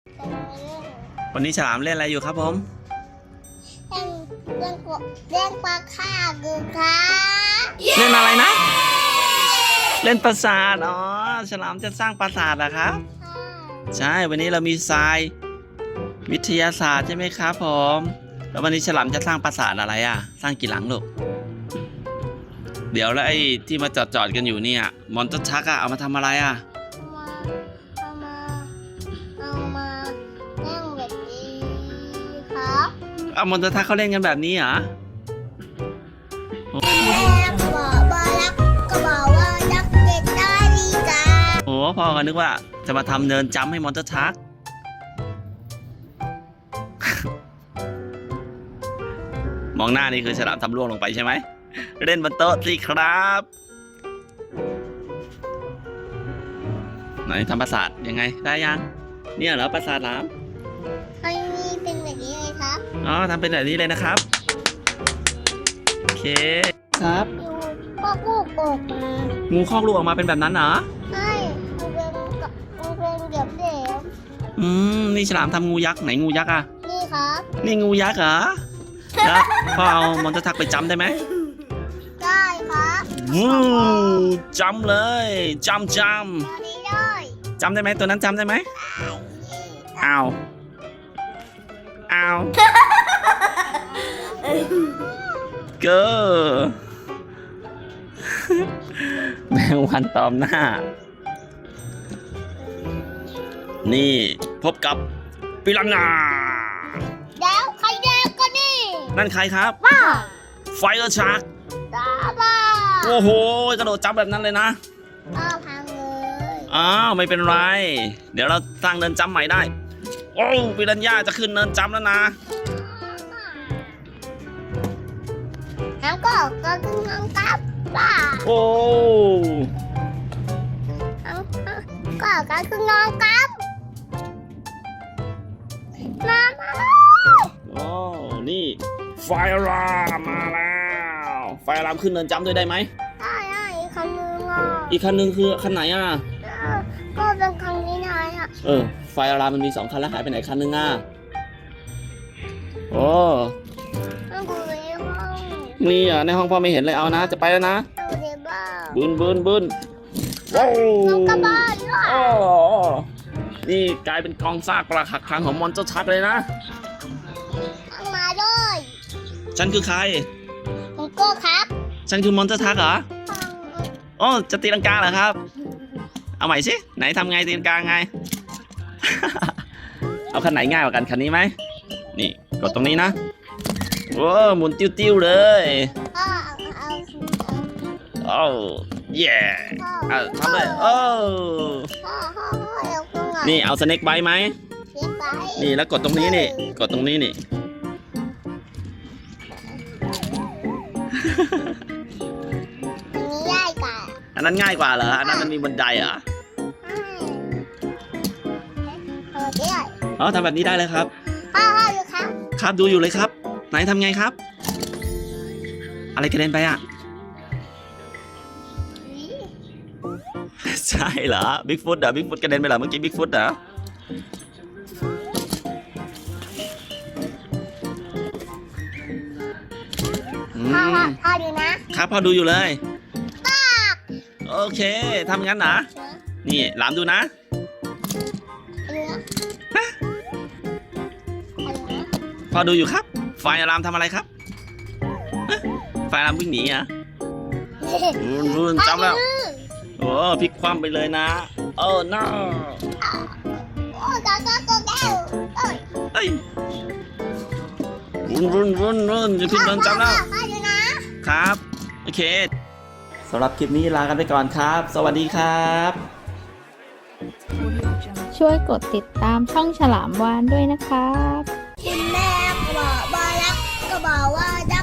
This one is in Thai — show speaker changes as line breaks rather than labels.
วันนี้ฉลามเล่นอะไรอยู่ครับผม
เล่นปลาค่าคือครับ
เล่นอะไรนะ เล่นปราสาทอ๋อฉลามจะสร้างปราสาทเหรอครับใช่วันนี้เรามีทรายวิทยาศาสตร์ใช่ไหมครับผมแล้ววันนี้ฉลามจะสร้างปราสาทอะไรอ่ะสร้างกี่หลังลูกเดี๋ยวแล้วไอ้ที่มาจอดกันอยู่เนี่ยมอนเตอร์ชักอะเอามาทำอะไรอ่ะ
เอามาเล่นแบบนี้ครับ
เอามอนเตอร์ชักเขาเล่นกันแบบนี้เหรอ
แม่บอกรักก็บอกว่ารักเด็กได้ดีกัน
โอ้พ่อก็นึกว่าจะมาทำเนินจัมป์ให้มอนเตอร์ชัก มองหน้านี่คือฉลามทำล่วงลงไปใช่ไหมเล่นบนโต๊ะสิครับไหนทำปราสาทยังไงได้ยังเนี่ยเหรอปราสาทหลาม
อันนี้เป็นแบบนี้เลยครับ
อ๋อทำเป็นแบบนี้เลยนะครับโอเคครับ
พ่อกู้ออกมา
งูคอกลูกออกมาเป็นแบบนั้นเหรอ
ใช่มันเป็นเดี๋ยวเดี๋ยว
นี่ฉลามทำงูยักษ์ไหนงูยักษ์อ่ะ
นี่ครับ
นี่งูยักษ์เหรอแล้วพ่อเอามอนเตอร์ชักไปจัมป์ได้ไหม
ได้ครับ
วู้จัมป์เลยจัมป์
ตอนนี้ได้
จำได้ไหมตัวนั้นจำได้ไหมอ้าวเกอแมงวันตอมหน้านี่พบกับปิรันนา
แล้วใครแดงก็นี่
นั่นใครครับ
บ้า
ไฟเออร์ชาร์ก
ตาบ้า
โอ้โหกระโดดจับแบบนั้นเลยนะ
อ้าวพังเลย
อ้าวไม่เป็นไรเดี๋ยวเราสร้างเนินจำใหม่ได้โอ้ปิรันย่าจะขึ้นเนินจำแล้วนะ
แล้วก็ขึ้นน้องกับบ้า
โอ้
ก็ขึ้นน้องกับมา
โอ้นี่ไฟอารามมาแล้วไฟอารามขึ้นเนินจำด้วยได้ไหม
ได้อีกคันนึงอ่ะ
อีกคันหนึ่งคือคันไหนอ่ะ
ก็เป็นคันนี้นายอ่ะ
ไฟอารามมันมี2 คันแล้วหายไปไหนคันหนึ่งอ่ะโอ้
ต้องดูในห้อง
นี่อ่ะในห้องพ่อไม่เห็นเลยเอานะจะไปแล้วนะ
ดูในบ้าน
บึนว้าว
น้องกระบ้านด้วย
โอ้นี่กลายเป็นกองซากปรักหักพังของมอนเตอร์ชักเลยนะ
มาด้วย
ฉันคือใคร
ผมก็ครับ
ฉันคือมอนเตอร์ชักเหรอโอ้จะตีลังกาเหรอครับเอาใหม่สิไหนทำไงตีลังกาไง เอาคันไหนง่ายกว่ากันคันนี้ไหมนี่กดตรงนี้นะโอ้หมุนติ้วๆเลย โอ้เย่ทำเลยโอ้นี่เอาสเน็กไบต์ไหมนี่แล้วกดตรงนี้นี่กดตรงนี้นี่ อันนั้นง่ายกว่าเหรออันนั้นมันมีบันไดเหรออ๋อทำแบบนี้ได้เลยครับครับดูอยู่เลยครับไหนทำไงครับ อะไรกระเด็นไปอ่ะ ใช่เหรอบิ๊กฟุตเหรอบิ๊กฟุตกระเด็นไปเหรอเมื่อกี้บิ๊กฟุตเหรอ
พ่อดูนะครับ
พ่อดูอยู่เลยโอเคทำงั้นนะนี่หลามดูนะพ่อดูอยู่ครับไฟอารามทำอะไรครับไฟอารามวิ่งหนีอ่ะรุ่นจำแล้วโอ้พลิกคว่ำไปเลยนะโอ้ no เอ้ยรุ่นจะขึ้นเดินจำแล้วครับโอเคสำหรับคลิปนี้ลากันไปก่อนครับ สวัสดีครับ
ช่วยกดติดตามช่องฉลามวานด้วยนะครับ
คุณแม่ก็บอกว่ารักก็บอกว่ารัก